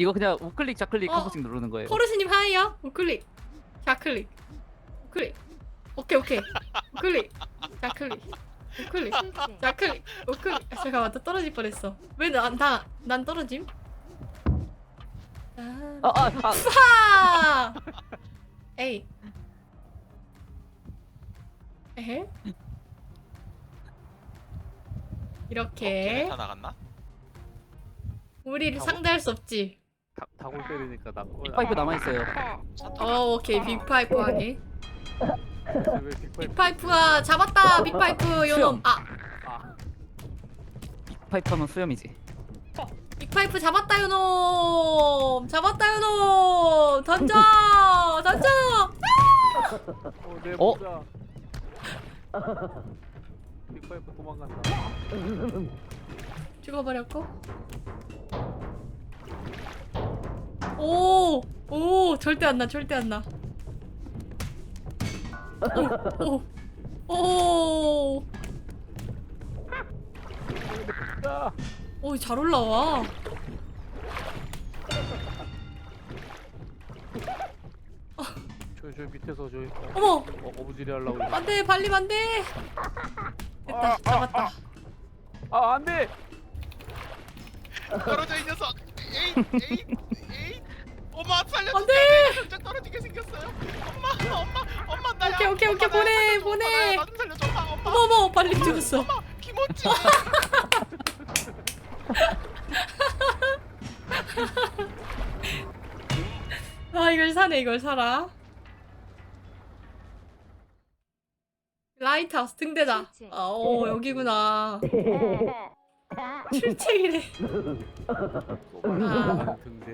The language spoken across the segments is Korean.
이거 그냥 우클릭 좌클릭 어. 한 번씩 누르는 거예요. 포르스님 하이요. 우클릭. 좌클릭. 우클릭. 오케이. 우클릭. 좌클릭. 우클릭. 좌클릭. 우클릭. 아, 잠깐만, 나 떨어질 뻔했어. 왜 난 떨어짐? 파! 에이. 에헤. 이렇게 다 나갔나? 우리를 상대할 수 없지. 다골 때리니까 나 파이프 남아 있어요. 오케이. 빅파이프 하기. 왜 빅파이프 빅파이프가 잡았다. 빅파이프 요놈. 파이프 하면 수염이지. 빅파이프 잡았다 요놈. 던져. 내 어? 모자 빅파이프 도망간다. 죽어버렸고. 오, 절대 안 나. 오. 아! 오, 잘 올라와. 저 밑에서 어머, 어부지리 하려고 이거. 안돼, 발림 안돼. 됐다, 잡았다. 안돼. 떨어져 이 녀석. 에이. 엄마 살려줘. 안돼. 깜짝 떨어지게 생겼어요. 엄마 나야. 오케이, 엄마, 나야. 보내. 엄마, 나좀 살려줘. 엄마. 어머, 발림 죽었어. 엄마 김어치. 아, 이걸 사네. 이걸 사라. 라이트하우스 등대다. 오, 여기구나. 출첵이래. 등대.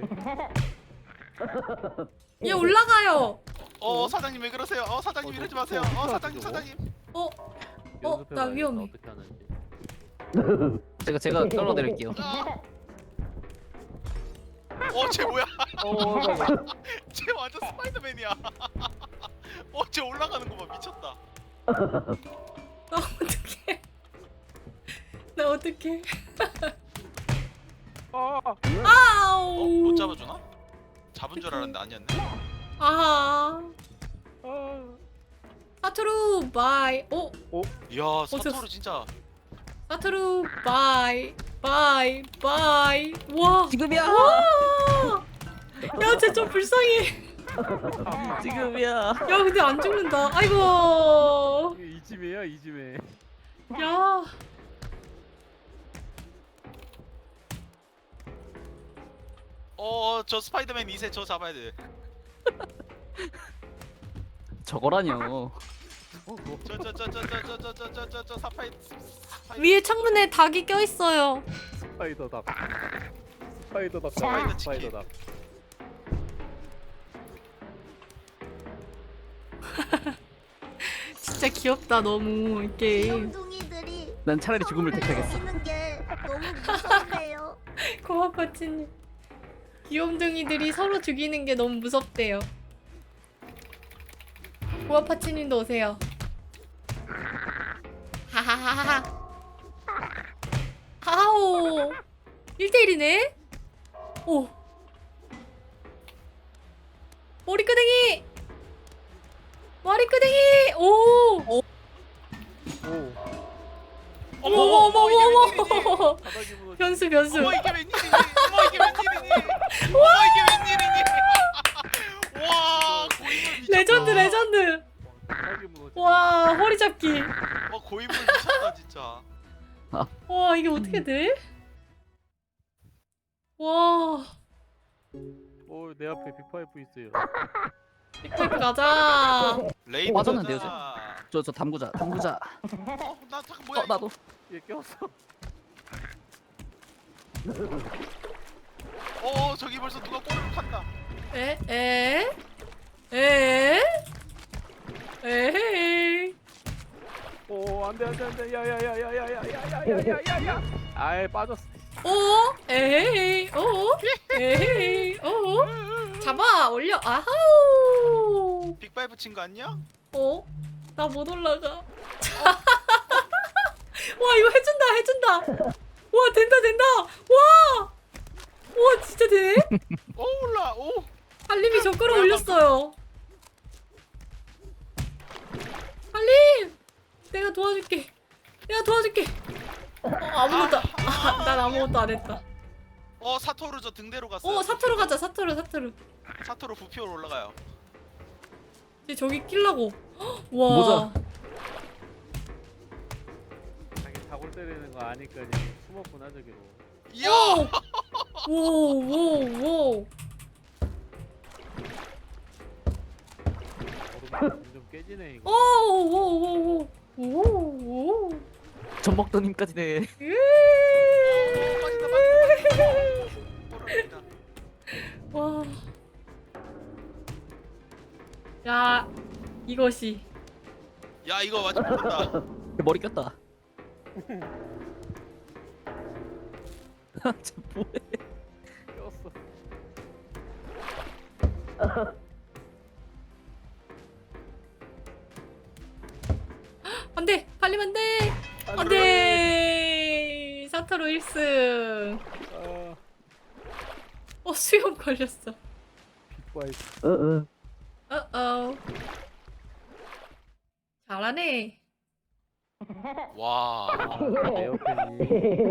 얘 올라가요. 사장님 왜 그러세요? 사장님 이러지 마세요. 사장님. 나 위험해. 어떻게 하는지. 제가 떨어드릴게요. 쟤 뭐야? 잠깐만. 쟤 완전 스파이더맨이야. 쟤 올라가는 거 봐. 미쳤다. 나 어떡해. 아우. 못 잡아주나? 잡은 줄 알았는데 아니었네. 아하. 사투루 바이. 이야 사토르 진짜. 사투루 바이. 와. 지금이야. 야, 쟤 좀 불쌍해. 지금이야. 야, 근데 안 죽는다. 아이고. 이지매야 이지매. 야. 저 스파이더맨 2세 저 잡아야 돼. 저거라뇨. 저 사파이. 위에 창문에 닭이 껴 있어요. 스파이더닭. 스파이더 치킨. 스파이더닭. 진짜 귀엽다 너무 이 게임. 귀염둥이들이 난 차라리 죽음을 택하겠어. 하는 게 너무 무섭네요. 고아파치님. 귀염둥이들이 서로 죽이는 게 너무 무섭대요. 고아파치님도 오세요. 하하하하. 하오. 1대1이네? 오. 머리끄댕이! 오! 어머. 바닥이 무너져. 변수. 어머 이게 웬일이니? 와 고인물 미쳤다. 레전드. 바닥이 무너져. 와, 허리 잡기. 고인물 미쳤다 진짜. 와, 이게 어떻게 돼? 와. 내 앞에 빅파이프 있어요. 빅파이프 가자. 레이드 맞았는데요, 가자. 저 담그자. 나 잠깐 뭐야? 나도. 얘 꼈어. 저기 벌써 누가 꼬리를 칸다. 에헤이. 안돼. 야야야야야야야야야야야. 아예 빠졌어. 에헤이. 잡아, 올려. 아하우. 빅파이브 친 거 아니야? 나 못 올라가. 와, 이거 해준다. 와, 된다. 와. 우와 진짜 되네? 오 올라. 오. 할림이 저 끌어올렸어요. 할림! 내가 도와줄게. 내가 도와줄게. 아무것도 난 아무것도 안 했다. 사토루 저 등대로 갔어요. 사투로 가자. 사투로. 사토루 부피로 올라가요. 이제 저기 끼려고. 와. 모자. 자기 다골 때리는 거 아니까 그냥 숨었구나 저기로. 이야. 오. 얼음 좀 깨지네 이거. 오. 젖 먹던 힘까지네. 빠진다. 빠진다. 와. 야, 이것이. 야 이거 완전 모른다. 머리 꼈다. 쟤 뭐해? 꼈어. 안 돼! 팔리면 안 돼! 안 돼! 사토로 1승. 아, 수염 걸렸어. 빅파이프. 어어. 잘하네. 와. 에어팬이.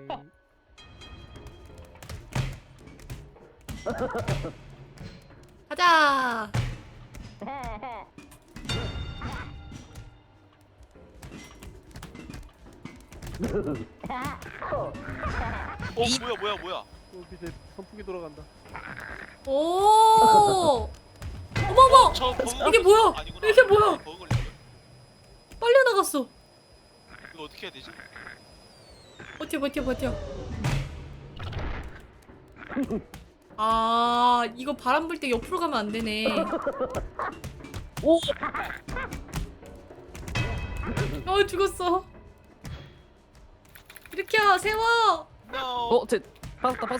가자! 뭐야. 밑에 선풍기 돌아간다. 오! 어머머! 저 버그 이게 뭐야? 아니구나. 이게 뭐야? 버그 걸렸어요. 빨려 나갔어. 이거 어떻게 해야 되지? 버텨. 아, 이거 바람 불 때 옆으로 가면 안 되네. 오! 죽었어. 일으켜, 세워! No. 쟤 빠졌다.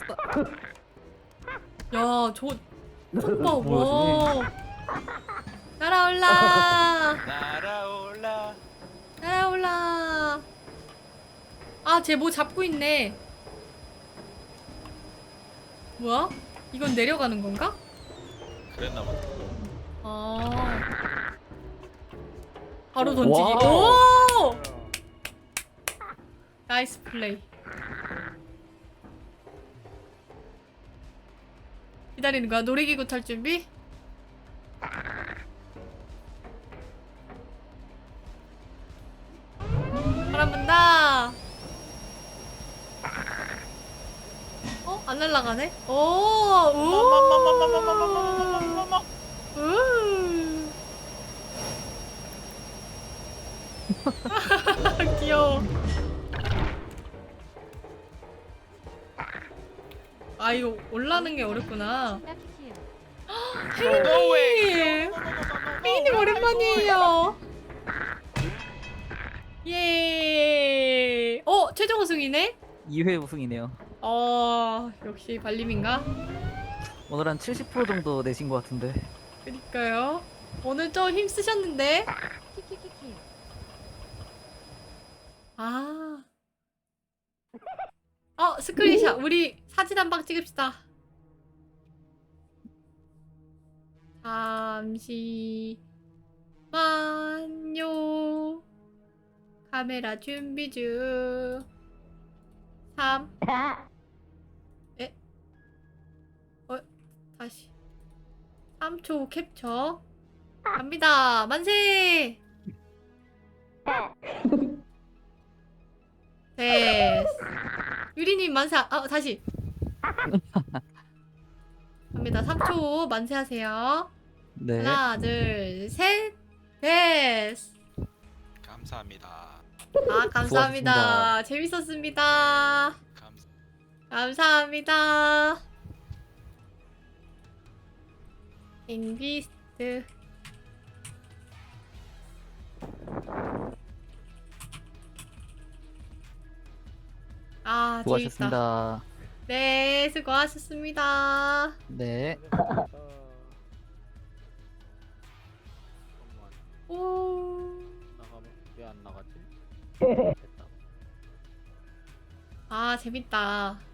야, 저거 봐, 뭐야, 와. 날아올라. 날아올라. 아, 쟤 뭐 잡고 있네. 뭐야? 이건 내려가는 건가? 그랬나 봐. 아. 바로 던지기. 와우. 오! 나이스 플레이. 기다리는 거야? 놀이기구 탈 준비? 바람 분다. 안 날아가네? 오! 귀여워. 아, 이거 올라가는 게 어렵구나. No way. 혜인님! 혜인님 오랜만이에요. 예. 최종 우승이네? 2회 우승이네요. 역시 발림인가? 오늘 한 70% 정도 내신 것 같은데. 그니까요. 오늘 좀 힘쓰셨는데? 아. 스크린샷. 우리 사진 한 방 찍읍시다. 잠시만요. 카메라 준비 중. 3. 다시. 3초 캡처. 갑니다. 만세! 됐어. 유리님 만세. 다시. 갑니다. 3초 만세하세요. 네. 하나, 둘, 셋. 됐어. 감사합니다. 감사합니다. 재밌었습니다. 감사합니다. 인비스트. 재밌다. 수고하셨습니다. 네, 수고하셨습니다. 네. 잠깐만. 오. 나가면 왜 안 나가지? 됐다. 재밌다.